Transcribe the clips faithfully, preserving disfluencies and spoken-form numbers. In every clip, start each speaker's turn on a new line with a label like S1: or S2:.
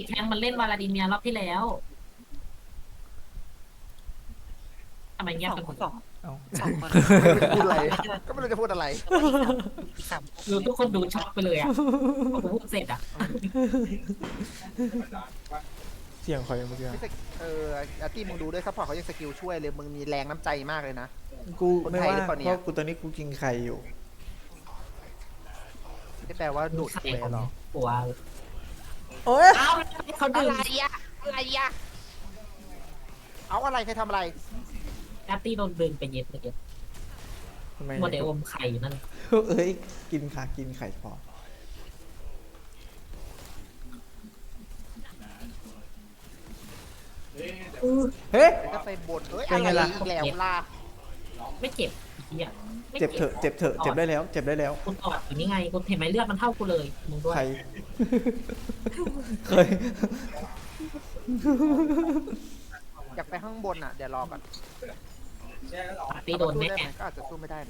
S1: แทงมันเล่นวาลาดิเมียรอบที่แล้วทำไมเงียบ
S2: สอง
S1: กันหมด
S2: สอง
S3: เอา
S2: สองคน
S4: พูดอะไรก็ไม่รู้จะพูดอะไร
S2: อีกสาม
S1: รู้ทุกคนดูช็อกไปเลยอ่ะพอผมพูดเสร็จอ่ะ
S3: เสียงใครเมื่อกี้
S4: ไม่สกเอออาร์ตี้มึงดูด้วยซัพพอร์ตเขายังสกิลช่วยเลยมึงมีแรงน้ำใจมากเลยนะ
S3: กู
S4: คน
S3: ไม่
S4: ไทย
S3: ว่า
S4: หรือเปล่าเนี่ย
S3: เพราะกูตอนนี้กูกินไข่อยู่
S4: ไม่แปลว่าดูด
S1: ใคร
S4: คุย
S1: ของ
S4: หรอ
S1: ปัว
S3: โอ๊ย
S1: อ้าวเขา
S4: อะ
S1: ดื่ม
S4: ไรอะอะไรอะเอาอะไรใครทำอะไร
S1: แอปตี้โดนดึงไปเย็ดเลย
S3: ทำไม
S1: โมเดลอมไข่อยู่นั่น
S3: เอ้ยกินค่ะกินไข่พอเฮ้ย
S4: ก็ไปบ่นเอ้ย
S3: เป็น
S4: อะ
S3: ไง
S4: ไร
S3: ล่ะ
S4: อีกแล้วล่ะ
S1: ไม่เจ็บอีกอ่ะไม่
S3: เจ็บเถอะเจ็บเถอะเจ็บได้แล้ว เจ็บได้แล้ว
S1: คุณออดอยู่นี่ไงคุณเห็นไหมเลือดมันเท่ากูเลยมึงด้วย
S3: ใคร เคย
S4: อยากไปข้างบนอ่ะเดี๋ยวรอก่อน
S1: แอปตี้โดน
S4: สู้
S1: แน่
S4: ได้ไหมก็อาจจะสู้ไม่ได้นะ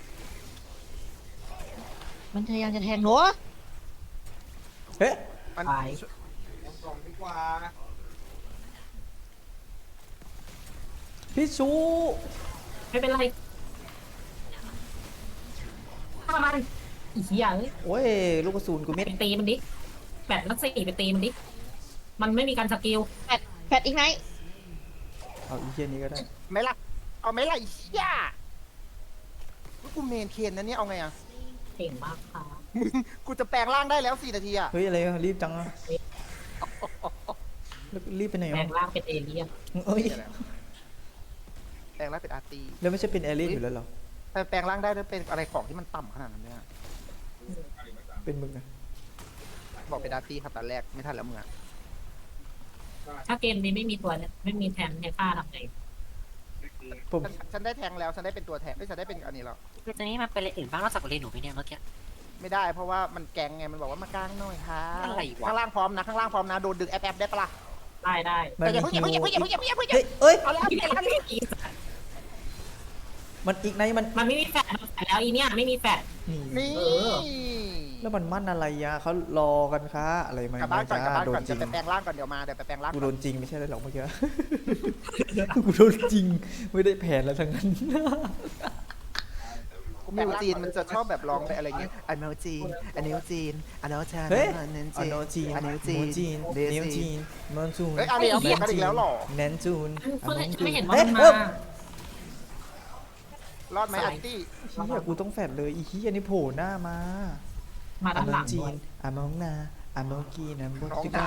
S2: มันพยายามจะแทงหนู
S3: เฮ้ย
S4: มัน
S1: ไป
S3: พี่ชู
S1: ไม่เป็นไรฆ่ามันอีเหี้ยเอ้ย
S3: โอ้ยลูกกระสุนกูเม็ด
S1: ไปตีมันดิแปดนักสี่ไปตีมันดิมันไม่มีการสกิล
S2: แฟดแฟดอีกไหม
S3: เอาอีเทียนี้ก็ได้
S4: ไหม่ล่ะเอาไหม่ล่ะไอ้เหี้ยว่ากูเมนเคนนะเนี่ยเอาไงอ่ะ
S1: เก่งมากค่ะ
S4: กูจะแปลงร่างได้แล้วสี่นาทีอ่ะ
S3: เฮ้ยอะไรอะรีบจังอะแล้วรีบไปไหน
S1: แปล
S3: อ่ะ
S1: งร่างเป็นเอเลี่ยน
S3: เอ้ย
S4: แปลงร่างเป็นอาร์ตี
S3: แล้วไม่ใช่เป็นแอลลี่อยู่แล้วเหรอ
S4: แต่แปลงร่างได้แล้วเป็นอะไรของที่มันต่ำขนาดนั้นเนี่ย
S3: เป็นมึงอะ
S4: บอกเป็นอาร์ตีครับตอนแรกไม่ทันแล้วมึงอ่ะ
S1: ถ้าเกมนี้ไม่มีตัวเนี่ยไม่มีแทนให้ฆ่าทำไง
S3: ผม
S4: ฉันฉันได้แทงแล้วฉันได้เป็นตัวแทงไม่ฉันได้เป็นอันนี้แล้ว
S2: คือตอนนี้มันเป็นอะไรอื่นบ้างนอกจากโอเลนหนูไหมเนี่ยเมื่อกี้
S4: ไม่ได้เพราะว่ามันแกงไงมันบอกว่ามากลางหน่อยค่ะ
S2: อะไรวะ
S4: ข้างล่างพร้อมนะข้างล่างพร้อมนะโดนดึงแอปแอปได้ปะล่ะ
S1: ได้ได้
S3: มัน
S4: แต่อย่า
S3: มี
S4: เพิ่งอย่า
S3: คิ
S4: เพิ่ง
S3: ว
S4: อย่าเพิ่งอย่าเพิ่งอย่าเพิ่งอย่าเพิ่ง
S3: เฮ้ยเอ้ย
S4: เอาแล้วเอาแล้วเอาแล้ว
S3: มันอีกไนมัน
S1: มันไม่มีแฟดมันแฟดแล้วอีเนี่ยไม่มีแฟด
S3: นี่
S4: นี่
S1: เออ
S3: แล้วมันมั่นอะไรยะเขารอกันคะอะไรมาก
S4: ลับบ้านก่อนกลับบ้าน
S3: โด
S4: ก่อน
S3: นจริ
S4: จะ
S3: ง
S4: ไปแปลงร่างก่อนเดี๋ยวมาเดี๋ยวไปแปลงร่าง
S3: กู
S4: ก่
S3: โด
S4: อน
S3: นจริงไม่ใช่เลยหรอกเมื่อกี้ กูโดนจริงไม่ได้แผนแล้วทั้งนั้น
S4: มิวจีนมันจะชอบแบบร้องไปอะไรเงี้ยอันเนวจีนอันเนวจีนอันเนวชา
S3: เฮ้ย
S4: อันเนว
S3: อ
S4: จีน
S3: โนจีน
S4: อันเนวจี
S3: โม
S4: น
S3: จีน
S4: เด
S3: เนวจีนมอนจูน
S4: เฮ้ยเอาดิเอาเบียดกันอีกแล้วเหรอ
S3: แนนจูน
S1: เพิ่ง
S3: อัน
S1: ไม่เห็นว่า
S3: เฮ้ย
S1: มัน
S3: เอ้
S1: มา
S3: ย
S4: รอดไหมอันตี้
S3: เฮียกูต้องแฟดเลยอีเฮียนี่โผล่หน้ามา
S1: มา
S3: อา
S1: ด้าน
S3: โน
S1: หลัง
S3: จี
S1: ด้วย
S3: นอามองนาอามองกีนัมบ
S4: น้อง
S3: ติ
S4: ได้
S3: กา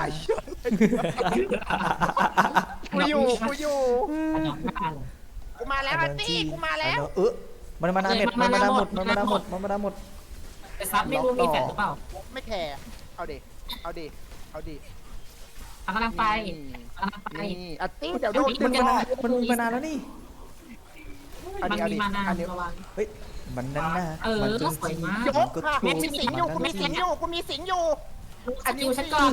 S4: กูอยู่กูอยู่
S1: อันน้องหน้าเลย
S4: กูมาแล้วอันตี้กูมาแล้ว
S3: เออมันมานาเม็ดมันมานาหมดมันมานาหมดมันมานาหมด
S1: แต่ซับไม่รู้มีแฟดหรือเปล่า
S4: ไม่แคร์เอาดิเอาดิเอาดิ
S1: กำลังไปกำลังไป
S4: นี่อันตี้เดี๋ยวโดน
S3: มัน
S4: ดึง
S3: มา
S4: มา
S3: นามันมีมานานแล้วนี่
S4: อัน
S1: มัน
S4: นี้อัน
S1: มี
S4: นี้
S1: มานาน
S4: อันนี้
S1: ระวัง
S3: เฮ้ยมันนั่นน่ะ
S1: เออ
S3: มันจน
S1: สวยมาก
S4: ย
S3: มัน
S4: ก
S3: ก็
S4: ค่ะ
S3: ถู
S4: มี
S3: ก
S4: สิงอยู่กูมีสิงอยู่กูมีสิงอยู่
S1: สกิลฉันก่อน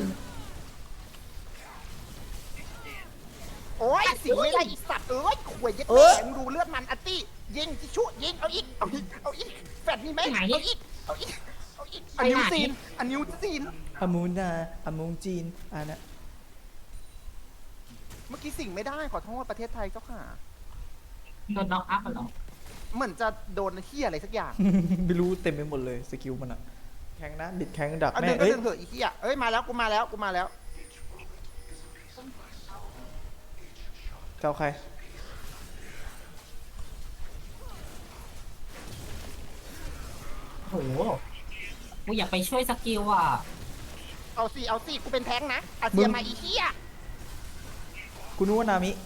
S4: โอ้ยสิงไม่ได้อีสัตว์เอ้ยขวยยัดแหงดูเลือดมันอันตี้ยิงจิชุยิงเอาอีกเอาอีกเอาอีกแฟดมีไหมเอาอีกเอาอีกเอาอีกอันนิวซีนอันนิวซีน
S3: อามูนาอามูงจีนอันน่ะ
S4: เมื่อกี้สิงไม่ได้ขอโทษประเทศไทยเจ้าค่ะ
S1: โดนน็อกอัพเหรอ
S4: เหมือนจะโดนเฮียอะไรสักอย่าง
S3: ไม่รู้เต็มไปหมดเลยสกิลมันอะแข่งนะบิดแข่งดัก
S4: เอา
S3: แม่
S4: ดึงก็
S3: เอ้ย
S4: ดึงเถอะอีเฮียเอ้ยมาแล้วกูมาแล้วกูมาแล้ว
S3: เจ้าใคร
S1: โหกูอยากไปช่วยสกิลอ่ะ
S4: เอาสิเอาสิกูเป็นแท้งนะอาเซียมาอีเฮีย
S3: กูนึกว่านามิ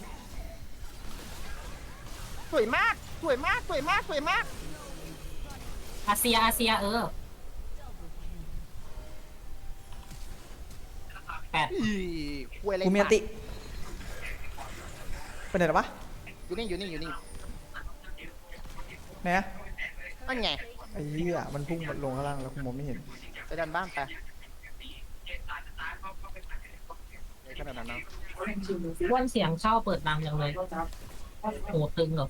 S4: สวยมากสวยมากสวยมากสวยมาก
S1: อาเซียอาเซียเออแปด
S4: อีควยอะไร
S3: กูมีอันติไปไหนหรอวะ
S4: อยู่นี่อยู่นี่อยู่นี่
S3: ไหนอะ
S4: นั่นไง
S3: ไอ้เหี้ยมันพุ่งลงข้างล่างแล้วกูมองไม่เห็น
S4: ไปดันบ้านไปในขนาดนั้นนะ
S1: ว่านเสียงเข้าเปิดดังจังเลยโหตึงเหรอ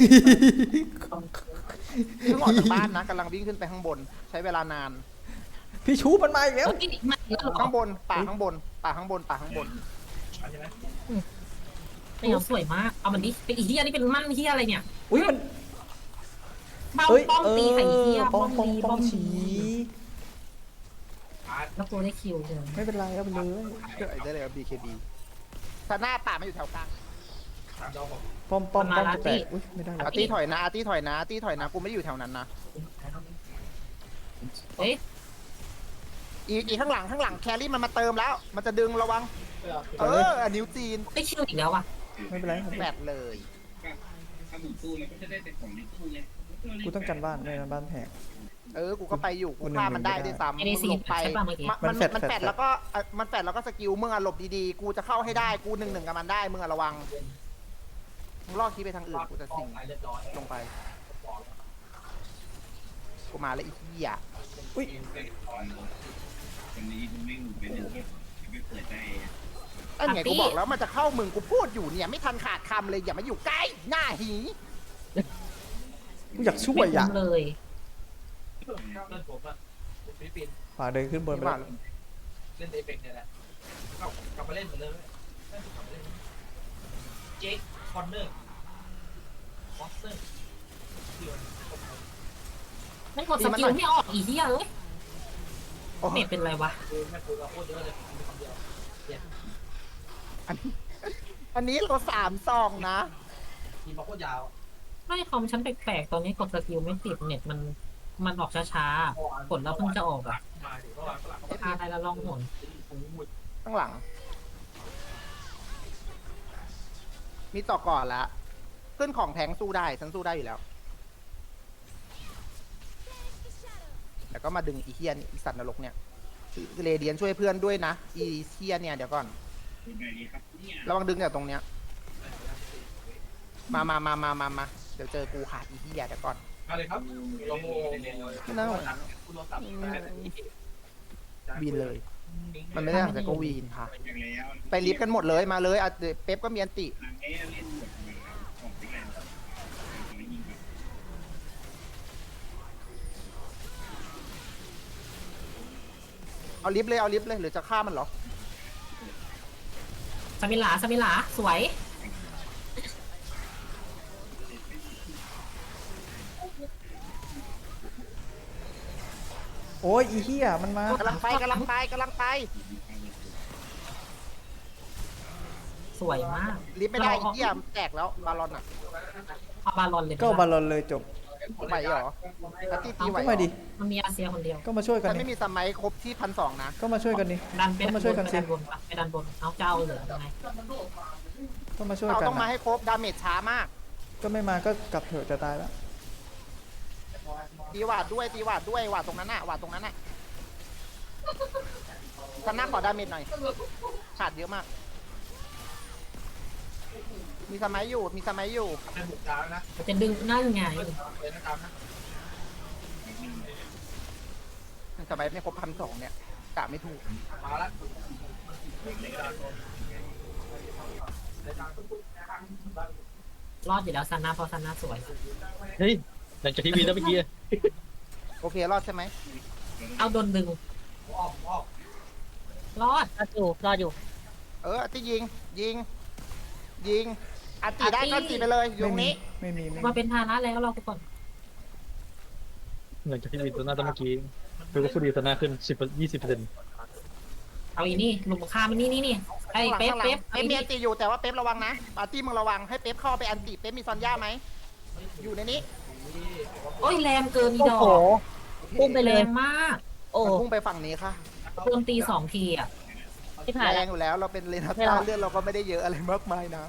S4: เพิ่งออกจากบ้านนะกำลังวิ่งขึ้นไปข้างบน ใช้เวลานาน
S3: พี่ชูมันมาอีกแล้ว
S1: เอ้ยมาอีกแล้วเหรอ
S4: ข้างบนป่าข้างบนป่าข้างบนป่าข้างบน
S1: ไม่เอาสวยมากเอามันดิเป็นอีเหี้ยนี่เป็นมั่นเหี้ยอะไรเนี่ย
S3: อุ้ยมัน
S1: บ้า
S3: เอ้ย
S1: ป้อม
S3: เอ
S1: ตีใส่อีเหี้ย
S3: อป้
S1: ป้
S3: อ
S1: อง ม
S3: ป้อง
S1: ดี
S3: ป้
S1: ป้
S3: อ
S1: อง ม
S3: ฉี
S1: ดี แล้วกูได้คิวเฉย
S3: ไม่เป็นไรเอาไปเลย
S4: ได้เลยครับ บี เค บี ซาน่าป่าไม่อยู่แถวกลาง
S3: ป้อมป้อมป้อมจะแตกอุ้ยไม่ได้แล้
S4: อาว ร์ตี้ถอยนะอาร์ตี้ถอยนะอาร์ตี้ถอยนะกูไม่ได้อยู่แถวนั้นนะ
S1: เอ๊ะ
S4: อีอีข้างหลังข้างหลังแครี่มันมาเติมแล้ว มันจะดึงระวังเอออ่ะนิ้วจีน
S1: ได้คิวอีกแล้วอ่ะ
S3: ไม่เป็นไร
S4: แปดเลย
S5: ถ้าหมุนตู้แล้วก็จะได้แต่ของในตู้ไง
S3: กูต้องกันบ้านไม่งั้นบ้านแตก
S4: เออกูก็ไปอยู่กู
S3: คนหนึ่ง
S4: ฆ่ามันได้ด้วยซ้ำ
S1: ไม่ได้
S4: มึง
S1: ซี
S4: หล
S1: น
S4: บไป
S1: ใช่ป่ะเมื่อกี้
S4: มัน
S3: มั
S4: มัน น
S3: แฟด
S4: มัน
S3: แฟด
S4: แฟดแล้วก็เอ่อมันแฟดแล้วก็สกิลมึงอะหลบดีๆ กูจะเข้าให้ได้กูหนึ่งหนึ่งกับมันได้มึงอะระวังมึงลอกคีย์ไปทางอื่นกูจะสิงลงไปกูมาแล้วอีกที่อ่ะ
S3: อุ้ย
S5: วันนี้มึงไม่หมุนไปเนี่ยไม่เปิดใจ
S4: ไอ้ไงกูบอกแล้วมันจะเข้ามึงกูพูดอยู่เนี่ยไม่ทันขาดคำเลยอย่ามาอยู่ใกล้หน้าหี
S3: กูอยากช่วย
S1: ไม่
S3: อ่ะ
S1: คุ้มเลย
S3: ฝากเดินขึ้นบนไป
S4: มา
S3: แล้ว
S6: เล่นเอเปกเนี่ยแหละกลับมาเล่นเหมือนเดิมเจ๊คอนเนอร์ฟอสเตอร์
S1: ไม่กดสกิลไม่ออกอีเหี้ยเลย
S4: โอ้
S1: เมดเป็นไรวะ
S6: คือแม่ปูเราโคตรเยอะเลยมีคำเดียว
S4: อันนี้เราสามซองนะ
S6: ทีมเราโคตรยาว
S1: ไม่คอมฉันแปลกๆตอนนี้กดสกิลไม่ติดเน็ตมันมันออกช้าๆกดแล้วเพิ่งจะออกอ่ะ
S6: มาถึงเมื่อวานฝรั่ง
S1: พาอะไรละลองหน
S4: ข้างหลัง มีต่อก่อนละขึ้นของแทงสู้ได้ฉันสู้ได้อยู่แล้ว แล้วก็มาดึงอีเทียนอีสัตว์นรกเนี่ยเรเดียนช่วยเพื่อนด้วยนะ อีเทียนเนี่ยเดี๋ยวก่อน
S5: เป็นไงดีครับเนี่ย
S4: ระวังดึงจากตรงเนี้ย มามามามามามาเดี๋ยวเจอกูขาดอีเทียเดี๋ยวก่อน
S6: มาเลยครับโลโม
S4: ไม่น่า
S6: คุณโทรศัพท์
S4: วีนเลย มันไม่ได้หลังจากก็วีนค่ะ
S5: อย่างแล้ว
S4: ไปลิฟต์กันหมดเลยมาเลยอ่ะเดี๋ยวเป๊ปก็มีอันติ
S5: หลังเอเล่นหมดเลยของติ๊กแลนด์ของยิงแบบ
S4: เอาลิฟต์เลยเอาลิฟต์เลยหรือจะฆ่ามันเหรอ
S1: สมิลาสมิลาสวย
S3: โอ้ยอีเหี้ยมันมาก
S4: ำลังไปกำลังไปกำลังไป
S1: สวยมาก
S4: ลิฟต์ไม่ได้อีเทียมแตกแล้วบาลอนอ่ะ
S1: เอาบาลอนเลย
S3: ก็บาลอนเลยจบ
S4: ไหวเหรออาร์ตี้ตีไหว
S3: ก็
S4: เหร
S3: มา
S4: อ
S3: ดิ
S1: มันมีอาเซียคนเดียว
S3: ก็มาช่วยกัน
S4: ฉัน
S3: ดิ
S4: ไม่มีสมัยครบที่พันสองนะ
S3: ก็มาช่วยกันดิ
S1: ดันไป
S3: ก็มาช่วยกันสิ
S1: ไปดันบนไปดันบนเอาเจ้าเหลือยังไง
S3: ก็มาช่วย
S4: เรา
S3: กัน
S4: ต้องมา
S3: นะ
S4: ให้ครบดาเมจช้ามาก
S3: ก็ไม่มาก็กลับเถอะจะตายแล้ว
S4: ตีหวาดด้วยตีหวาดด้วยหวาดตรงนั้นน่ะหวาดตรงนั้นน่ะชนะขอดาเมจหน่อยขาดเยอะมาก มีสมัยอยู่มีสมัยอยู่
S6: แม่บุกดาวนะ
S1: จะดึงนั่นไง
S6: เลยนะตามนะ
S4: สมัยไม่ครบพันสองเนี่ยกะไม่ถูก
S6: มาละ
S1: รอดอยู่แล้วซาน่าเพราะซาน่าสวย
S7: เฮ้ยหลังจากที่วีแล้วเมื่อกี้
S4: โอเครอดใช่ไหม
S1: เอาโดนดึง
S6: ออกออก
S1: รอด
S2: รออยู่รออยู่
S4: เอออาร์ตี้ยิงยิง ยิงอาร์ตี้ได้
S1: อาร์ตี้
S4: ก็ตีไปเลยอยู่ตรงนี้
S3: ไม่มีไม่
S1: มา
S3: มี
S1: เป็นภาระแล้วเราทุกคน
S7: หลังจากที่วีตัวหน้าตอนเมื่อกี้คือก็ฟูดีตัวหน้าขึ้นสิบยี่สิบเปอร์เซ็นต์
S1: เอาอีนี่ลุมฆ่ามันนี่นี่นี่ไอ้
S4: ข้างหลัง
S1: เป๊ป
S4: ข้างหลัง
S1: เป๊ป
S4: เป๊ปมีอันตีอยู่แต่ว่าเป๊ประวังนะอาร์ตี้มึงระวังให้เป๊ปเข้าไปอันตีเป๊ปมีซอนย่าไหมอยู่ในนี้
S1: โอ้ยแรงเกินอี
S2: โอ้
S1: ดอ
S2: โห
S1: ก
S2: พุ่งไปเล
S1: แร
S2: ย
S1: งมาก
S2: โอ้
S4: มันพุ่งไปฝั่งนี้ค่ะ
S1: โดนตีสองทีอ่ะ
S2: ที่ผ่าน
S4: แร
S2: แล้
S4: ง
S2: ว
S4: อยู่แล้วเราเป็นเลนา
S2: ไม่หร
S4: ต้า
S2: อก
S4: เลือดเราก็ไม่ได้เยอะอะไรมากมายนะ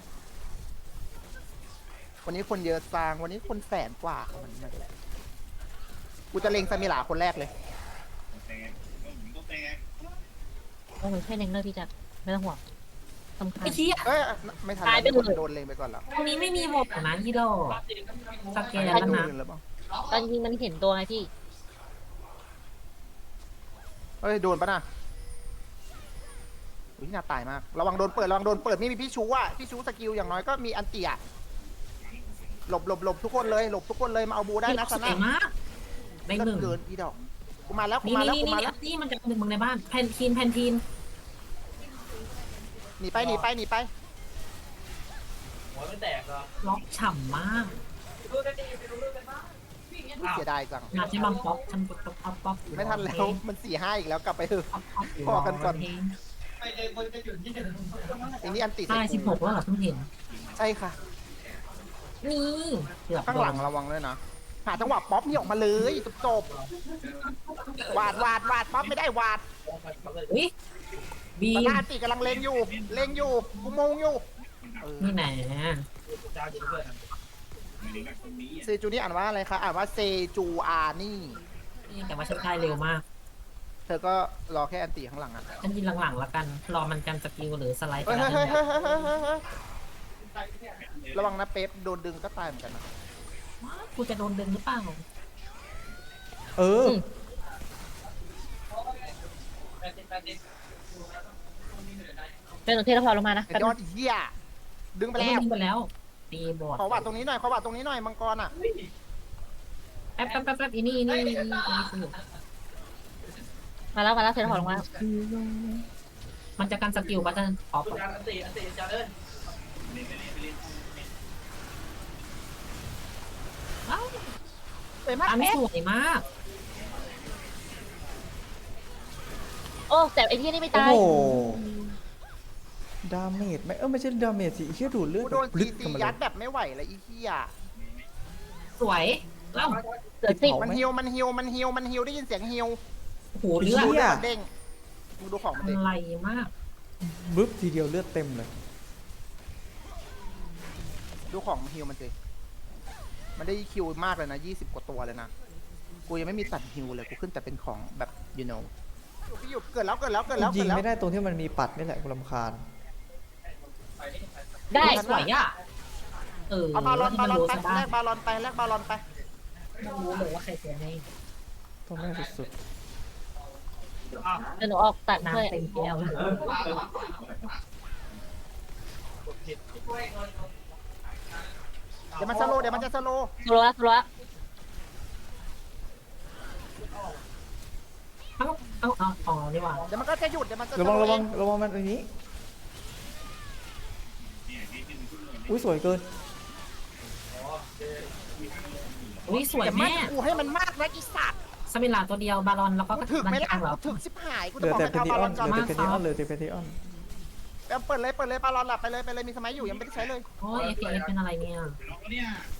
S4: วันนี้คนเยอะจางวันนี้คนแสนกว่ามันมันกูจะเล็งซามิลาคนแรกเลย
S5: แต่ก็แต่
S2: โอ้โหแค่เล็งเลิกพี่จักไม่ต้องห่วงสำคัญ
S1: ไอ้เชี่ย
S4: เอ้ยไม่ทัน
S2: ตายไปเลย
S4: โดนเล็งไปก่อนแล้ว
S1: ตรงนี้ไม่มีหมดนะอีดอกสแกน
S4: ไม่
S1: แล้ว
S4: โด
S1: นะ
S4: นแล้วบ้าง
S2: ตอนจริงมันเห็นตัวไงพี่
S4: เฮ้ยโดนปะน่ะอุ้ยน่าตายมากระวังโดนเปิดระวังโดนเปิดไม่มีพี่ชูอ่ะพี่ชูสกิลอย่างน้อยก็มีอันเตียหลบหลบหลบทุกคนเลยหลบทุกคนเลยมาเอาบูได้นะ
S1: ส
S4: ซา
S1: วย
S4: น่าม
S1: ากได้หนึ่ง
S4: เกินอีดอกกูมาแล้วกู
S1: นี่
S4: มาแล้ว
S1: นี่
S4: กู
S1: นี่
S4: มา
S1: นี่
S4: แล้ว
S1: นี่มันจะดึงมึงในบ้านแพนทีนแพนทีน
S4: นีไปหนีไปหนีไป
S6: หัวไม่แตกหรอ
S1: ล็อกฉ่ำมาก
S6: ดูกันดีไปดูเรื่องกันบ้าง
S4: เสียดายจัง
S1: งานที่บังป๊อปฉันป๊อปป๊อปป๊อปป๊อป
S4: ไม่ทันแล้วมันสี่ห้าอีกแล้วกลับไปเถอะ
S1: ป๊อปป๊อปยู่
S4: พอกันก่อน
S1: เพลง
S6: ไปเดินคนจะหยุดที่เดิน
S4: อันนี้อันติ
S1: ใช่สิบหกแล้วเหรอเพิ่งเห็น
S4: ใช่ค่ะ
S1: นี่เกือบ
S4: ข้างหลังระวังด้วยนะหาจังหวะป๊อปนี่ออกมาเลยจบจบๆวาดวาดวาดป๊อปไม่ได้วาด
S1: อุ้ยบี
S4: ต
S1: ม
S4: นาติกำลังเลงอยู่เลงอยู่กูมงอยู่เออ
S1: นี่ไหน
S6: จ้าจริงเพื่อน
S4: เซจูนี่อ่านว่าอะไรคะอ่านว่าเซจูอานี่
S1: นี่แต่ว่าฉันได้เร็วมาก
S4: เธอก็รอแค่อันติข้างหลังอ่ะ
S1: ฉันยินหลังๆแล้วกัน รอมันกันสกิลหรือสไลด์ไป
S4: เฮ้ย
S1: แล้ว
S4: เฮ้ย
S1: นั่
S4: เฮ้ย
S1: นแห
S4: เฮ้
S1: ละ
S4: ยเฮ้ยเฮ้ยเฮ้ยระวังนะเป๊ปโดนดึงก็ตายเหมือนกันนะ
S1: กูจะโดนดึงหรือเปล่า
S3: เออ
S2: เป็นหนูเทแล้วพอลงมานะ
S4: ไอ้ยอดเหี้ยดึงไป
S1: แล้ว
S4: แล้ว
S1: ดึงไปแล้วตีบอด
S4: ขอวัดตรงนี้หน่อยขอวัดตรงนี้หน่อยมังกรอ่ะ
S1: แป๊บแป๊บแป๊บแป๊บอีนี่อีนี่อีนี่อีนี่สนุก
S2: มาแล้วมาแล้วเทแล้วพอลงมา
S1: มันจะกันสกิลบัตเตอร์ออฟ
S6: จานอันตีอันตีจานเลย
S1: อ้าว
S4: สวยมาก
S1: อัน
S4: เป๊ป
S1: สวยมาก
S2: โอ้แต่ไอ้ที่นี่ไม่
S3: โอ้
S2: ตาย
S3: โห ดาเมจไหมเออไม่ใช่ดาเมจสิเฮียดูดเลือด
S4: กูโดน
S3: ลึ
S4: ตี
S3: ก
S4: ตี
S3: เข้ามาเล
S4: ยั
S3: ย
S4: ดแบบไม่ไหวเลยอีเหี้ย
S1: สวยแล้ว
S2: เสือสิบ
S3: เอา
S4: มัน
S3: ไหม
S4: ฮิวมันฮิวมันฮิวมันฮิวได้ยินเสียงฮิว
S1: โอ้โห
S3: เลื
S1: เลื
S3: อ
S1: อ
S3: ด
S1: ด
S4: ดูเลือดมันเด้งมึงดูของมันเด้ง
S1: อะไรมาก
S3: บึ๊บทีเดียวเลือดเต็มเลย
S4: ดูของมันฮิวมันสิมันได้คิวมากเลยนะยี่สิบกว่าตัวเลยนะกูยังไม่มีตัดฮิวเลยกูขึ้นแต่เป็นของแบบ you know พี่หยุดเกิดแล้วเกิดแล้วเกิดแล้ว
S3: ยิ
S4: เกิ
S3: ง
S4: ดแล้ว
S3: ไม่ได้ตรงที่มันมีปัดนี่แหละกูรำคาญ
S2: ได้
S1: สวยอ่ะเออ
S4: เอาบาลอน
S1: ที่
S4: บา
S1: มัน
S4: ลอน
S1: รู้
S4: ไป
S1: ซะบ้า
S4: แล
S1: ง
S4: กบาลอนไปแลกบาลอนไป
S1: รู้เลยว่าใครเสียให้
S3: ต้องได้สุด
S2: เดี๋ยวหนูออกตัดช่วย
S1: น้ำเต็มแก้วเลย
S4: เดี๋ยวมันสโลว์เดี๋ยวมันจะสโลว์
S2: ตัวละตัวละ
S1: เอ้าเอ้าเอาอ๋อนี่หว่า
S4: เดี๋ยวมันก็จะหยุดเดี๋ยวมันจะ
S3: ๆระวัง
S4: สโล
S3: ระวัง
S4: เอ
S3: ระวังมันอันนี้อุ้ยสวยเกิน
S1: อุ้ยสวย
S4: อย่ามา
S1: แม่
S4: กูให้มันมากนะอีสัตว์
S1: สมิลาตัวเดียวบาลอนแล้วก็
S4: กูถึกไหม
S1: น
S4: ล่ะ
S1: กลางเหรอ
S4: กูถึกชิบหายกู
S3: เหลื
S4: จะ
S3: อบ
S4: อ
S3: แต่เพ
S4: กให้
S3: น
S4: เอา
S3: ทิ
S4: บา
S3: อ
S4: ล
S3: อ
S4: อน น
S3: เห
S4: ก่อน
S3: ลือแต่เพนทิออนเหลือแต่เพนทิออน
S4: เอาเปิดเลยเปิดเลยบาลอนหลับไปเลยไปเลยมีสมัยอยู่ยังไม่ได้ใช้เลย
S1: โอ้ยเอฟเอฟเป็นอะไรเนี่ย
S5: เนี่ย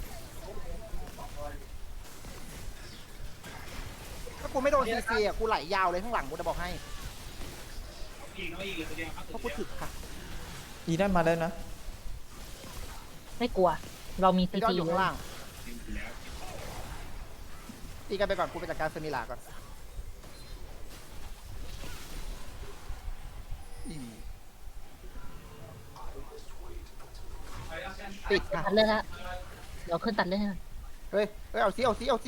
S4: ถ้ากูไม่โดนซีซีอ่ะกูไหลยาวเลยข้างหลังกูจะบอกให้
S5: อีกน้อยอีกเลยตัวเดียวครับ
S4: เพราะกูถึกค่ะ
S3: อีนั่นมาแล้วนะ
S2: ไม่กลัว เรามี
S4: ไอ้
S2: ซี
S4: ยอด
S2: ที
S4: อยู่
S2: เล
S4: ข้าง
S2: ย
S4: ล่างตีกันไปก่อนกูไปจัดการเซมิลาก่อนอีติดค่ะ
S2: ตัดเลือดละเดี๋ยวขึ้นตัดเลือดให้หน่อย
S4: เฮ้ยเฮ้ยเอาซิเอาซิเอาซิ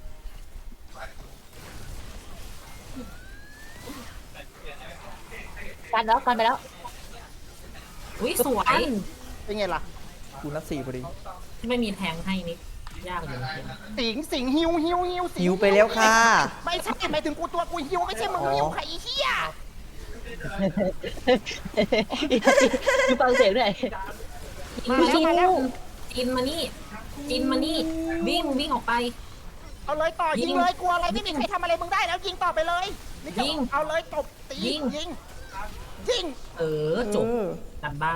S2: กันแล้วกันไปแล้ว
S1: อุ้ยสวย
S4: เป็นไงล่ะ
S3: กูนัดสี่พอดี
S1: ที่ไม่มีแทงให้นิดยากอยู่จริง
S4: สิงสิงฮิวฮิวฮิวสิง
S3: หิวไปแล้วค่ะ
S4: ไม่ใช่หมายถึงกูตัวกูฮิวไม่ใช่มึง
S3: อ๋อ
S4: ฮิวใครอีเหี้ย
S2: ดูฟังเสียงด้วย
S1: มาแล้วมาแล้วจินมานี่จินมานี่วิ่งวิ่งออกไป
S4: เอาเลยต่อยิงเลยกลัวอะไรไม่มีใครทำอะไรมึงได้แล้วยิงต่อไปเลยนี่จะ
S1: ยิง
S4: เอาเลยตบตี
S1: ยิง
S4: ยิงยิง
S1: เออจบ
S3: เออ
S1: กันบ้าน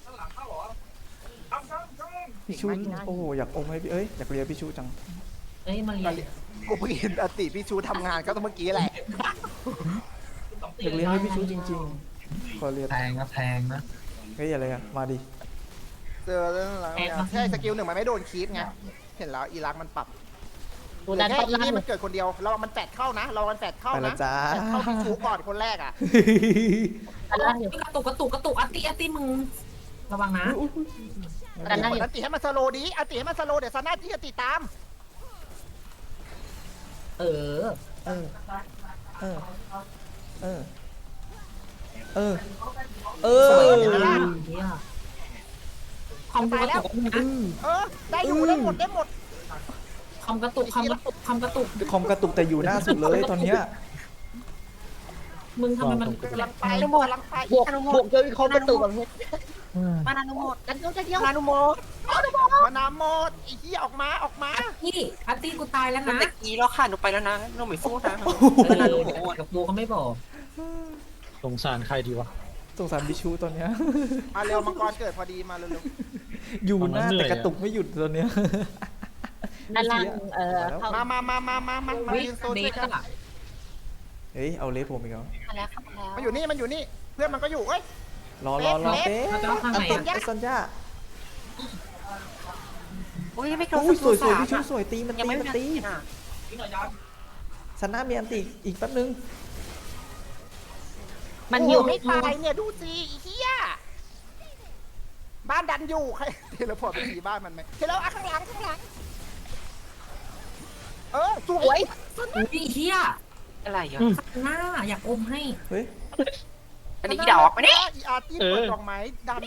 S3: พี่ชูโอ้โหอยากอมให้พี่เอ้ยอยากเรียนพี่ชูจัง
S1: เอ้ยมาเรียน
S4: กูเพิ่งเห็นอติพี่ชูทำงานก็ต้องเมื่อกี้แหละ
S3: อยากเรียนให้พี่ชูจริงๆขอเรียน
S6: แพงนะแพงนะ
S3: เฮ้ยอะไรอะมาดิ
S4: เจอเรื่องหลังเนี่ยใช่สกิลหนึ่งมันไม่โดนคีฟไงเห็นแล้วอีรักมันปรับ
S2: ดูดัน
S4: แค่
S2: ต้น
S4: อี
S2: ล่าง
S4: นี่
S2: เล
S4: มัน
S2: ย
S4: เกิดคนเดียวเรามันแฟดเข้านะ เรามันแฟดเข้า
S3: ไป
S4: นะ
S3: ละจ้า
S4: แฟดเข้าพี่ชูก่อนคนแรกอ่ะ
S2: ดันล่างอยู่
S1: กระตุกกระตุกกระตุกอัตติอัตติมึงระวังนะ
S2: ดันล่างอยู่
S4: อันติให้มันสโลว์ดีอันติให้มันสโลว์เดี๋ยวซาน่าที่จะติดตาม
S1: เออ
S3: เออ เออ เออ เออ เอ
S1: สวย
S3: อ
S1: เดี๋ยวนะเฮียคอมกระตุกนะ
S4: เออได้อยู่ได้หมดได้หมด
S1: คอมกระตุกคอมกระตุกคอมกระตุก
S3: คอมกระตุกแต่อยู่หน้าสุดเลยตอนเนี้ย
S1: มึงทำไมมัน
S4: กำลังไป
S2: อนุโมท
S4: กำลังไป
S2: บวกบวกเจอเขาประตูแบบนี้
S4: มานานุโมด
S2: กันเดียวกันเดียว
S4: มานานุโมดมานาโมดไอ้เหี้ยออกมาออกมา
S1: พี่อาร์ตี้กูตายแล้ว
S8: มัน
S1: นะ
S8: ตะกี้แล้วค่ะหนูไปแล้วนะหนูไม่สู้นะ
S1: เออกับกูเขาไม่บอก
S7: สงสารใครดีวะ
S3: สงสารบิชูตอนเนี้ย
S4: มาเร็วมังกรเกิดพอดีมาเร็ว
S3: อยู่หน้า
S7: ตอนนั้นเหนื่
S3: แต่
S7: อย
S3: กระตุกไม่หยุดตอนเนี้ย
S2: ด้านล่างเอ่อเข้า
S4: ๆมามามามามามามา
S1: วิ
S4: ยืนโซน
S1: เด
S4: ด้วย
S1: ท
S4: กัน
S1: อะ
S3: เฮ้ยเอาเลสผมอีกแล้ว
S2: มาแล้วครับมาแล้ว
S4: มันอยู่นี่มันอยู่นี่เพื่อนมันก็อยู่เอ้ย
S3: รอรอรอ
S4: เลส
S3: เป๊ะ
S1: เราจะต้องทำ
S3: อั
S1: ไง
S3: นติ
S1: อะ
S3: ไอซอนย่า
S8: อุ้ยไม่เกิน
S3: อุ้ยสวยสวย
S8: สาม
S3: บิชูสวยตีมัน
S8: ยัง
S3: ตี
S8: ไม่
S3: มัน
S8: มี
S3: ตี
S8: อ่ะ
S3: ซันน่ามีอันติอีกแป๊บนึง
S2: มันอยู่
S4: ไม่
S2: ไม่
S4: ตา
S2: ตาย
S4: ยเนี่ยดูสิไอ้เหี้ยบ้านดันอยู่ใครเทเลพอร์ตไปทีบ้านมันไหมเทเลอ่ะข้างหลังข้างหลังเออสวย
S1: อุ้ยเฮีย
S8: อะไรอ่ะ
S1: หน้าอยากอมให้
S3: เฮ้ย
S8: อันนี้อีดอกมาเนี่ย
S4: อีอาร์ตี้เปิดดอกไม้ดัน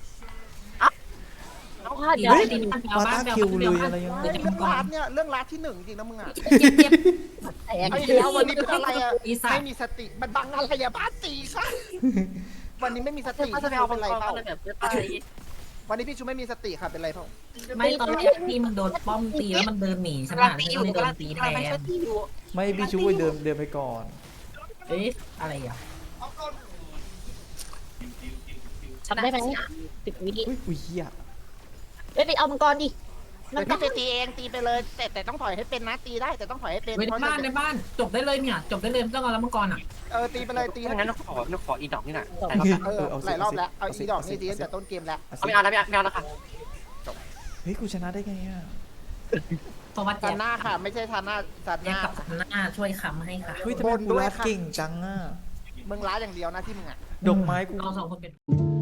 S2: เอาค่ะเดี๋ยว
S3: เฮ้ย
S2: ดิน
S3: วาตาคิวเลยอะไรยังไง
S4: เฮ้ยเรื่องรัดเนี่ยเรื่องรัดที่หนึ่งจริงนะมึงอ่ะ
S1: เจ็บเจ็บ
S2: แตก
S4: ไอ้แล้ววันนี้เป็นอะไรอ่ะ
S1: อีสัต
S4: ไม่
S1: ว์
S4: มีสติมันบังอะไรอ่ะบ้านตีค่ะวันนี้ไม่มีสติ
S8: เขาจะ
S4: พี่
S8: ไป
S4: ชู
S8: เอา
S4: เป็นไร
S8: มังก
S4: เปล่าร
S8: แบบจะตาย
S4: วันนี้พี่ชูไม่มีสติค่ะเป็นไรเปล่า
S1: ไม่ตอนแรกที่มึงโดนป้อมตีแล้วมันเดินหนีฉัน
S8: กำลัง
S1: อ่ะ
S8: ตี
S1: ฉั
S8: อน ยู่
S1: เลยโด
S8: กำลั
S1: น
S8: ง
S1: ตี
S8: ตี
S1: แท
S8: กำลังไป
S1: น
S8: ช่วยตีอยู่
S3: ไม่บิชูเดินเดินไปก่อน
S1: เอ๊ะอะไรอ่ะ
S2: ทำได้ไหมสิบวิ
S3: อุ้ยอุ้ยเหี้ย
S2: เฮ้ยไปเอามังกรดิมั
S4: เดี๋
S2: น
S4: ยว
S2: ต้อ
S4: พี่
S2: ง
S4: จะตีเองตีไปเลย แต่แต่ต้องถอยให้เป็นนะตีได้แต่ต้องถอยให้เป็น
S1: เว้ยใน
S4: เพราะ
S1: บ้านใน
S4: จะ
S1: บ้านจบได้เลยเนี่ยจบได้เลยไม่ต้องเอาแล้วมังกรอ่ะ
S4: เออตีไปเลยตี
S8: ถ้างั้นหนูขอหนูขออีดอกนี่แหละ
S4: เออหลายรอบแล้วเอาอีดอกนี่ตีตั้งแต่ต้นเกมแล้ว
S8: เอาไม่เอาแล้วไม่เอาไม่เอาแล้วค่ะ
S3: เฮ้ยกูชนะได้ไงอ่ะ
S1: เพราะว่า
S4: ซา
S1: แจ็ค
S4: น่าค่ะ ไม่ใช่ซาน่าซา
S1: แจ็ค
S4: น่า
S1: กับหน้าช่วยค้ำให้ค่ะ
S3: เฮ้ยทำไมกูรัดเก่งจังอ่ะ
S4: มึงร้ายอย่างเดียวนะที่มึงอ่ะ
S3: ดอกไม้กู
S1: เราสองคนเป็น